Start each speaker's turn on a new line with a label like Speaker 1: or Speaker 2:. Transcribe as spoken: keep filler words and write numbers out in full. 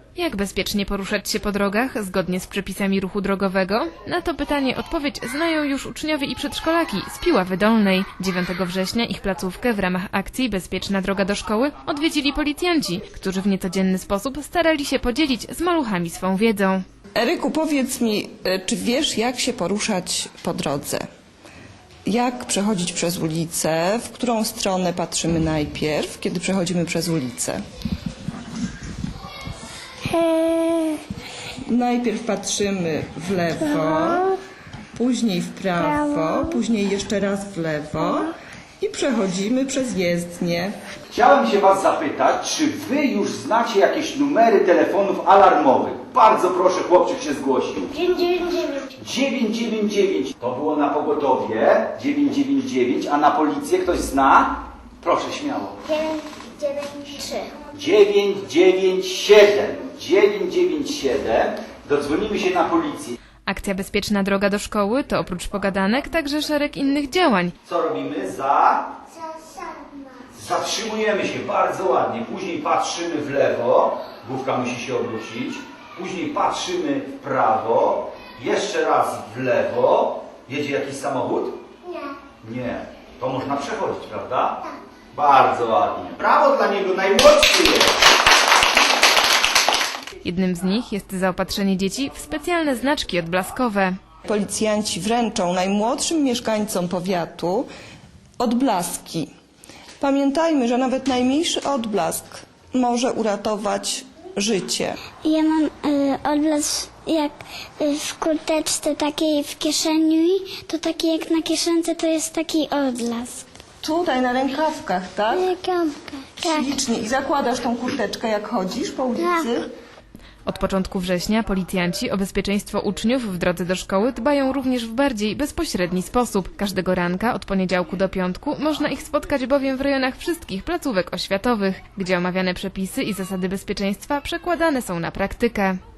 Speaker 1: Jak bezpiecznie poruszać się po drogach zgodnie z przepisami ruchu drogowego? Na to pytanie odpowiedź znają już uczniowie i przedszkolaki z Piławy Dolnej. dziewiątego września ich placówkę w ramach akcji Bezpieczna droga do szkoły odwiedzili policjanci, którzy w niecodzienny sposób starali się podzielić z maluchami swą wiedzą.
Speaker 2: Eryku, powiedz mi, czy wiesz, jak się poruszać po drodze? Jak przechodzić przez ulicę? W którą stronę patrzymy najpierw, kiedy przechodzimy przez ulicę? Najpierw patrzymy w lewo, później w prawo, później jeszcze raz w lewo i przechodzimy przez jezdnię.
Speaker 3: Chciałem się Was zapytać, czy Wy już znacie jakieś numery telefonów alarmowych? Bardzo proszę, chłopczyk się zgłosił.
Speaker 4: dziewięć dziewięć dziewięć.
Speaker 3: dziewięć dziewięć dziewięć. To było na pogotowie. dziewięć dziewięć dziewięć. A na policję ktoś zna? Proszę, śmiało.
Speaker 4: dziewięć dziewięć trzy.
Speaker 3: dziewięć dziewięć siedem. dziewięć dziewięć siedem. Dodzwonimy się na policję.
Speaker 1: Akcja Bezpieczna droga do szkoły to oprócz pogadanek także szereg innych działań.
Speaker 3: Co robimy? Za...
Speaker 4: Zasana.
Speaker 3: Zatrzymujemy się bardzo ładnie. Później patrzymy w lewo. Główka musi się obrócić. Później patrzymy w prawo. Jeszcze raz w lewo. Jedzie jakiś samochód?
Speaker 4: Nie.
Speaker 3: Nie. To można przechodzić, prawda? Tak. Bardzo ładnie. Brawo dla niego, najmłodszy jest.
Speaker 1: Jednym z nich jest zaopatrzenie dzieci w specjalne znaczki odblaskowe.
Speaker 2: Policjanci wręczą najmłodszym mieszkańcom powiatu odblaski. Pamiętajmy, że nawet najmniejszy odblask może uratować życie.
Speaker 4: Ja mam y, odblask jak y, w kurteczce takiej w kieszeni, to taki jak na kieszence to jest taki odblask.
Speaker 2: Tutaj na rękawkach, tak?
Speaker 4: Rękawka. Tak.
Speaker 2: Ślicznie. I zakładasz tą kurteczkę, jak chodzisz po ulicy?
Speaker 1: Od początku września policjanci o bezpieczeństwo uczniów w drodze do szkoły dbają również w bardziej bezpośredni sposób. Każdego ranka od poniedziałku do piątku można ich spotkać bowiem w rejonach wszystkich placówek oświatowych, gdzie omawiane przepisy i zasady bezpieczeństwa przekładane są na praktykę.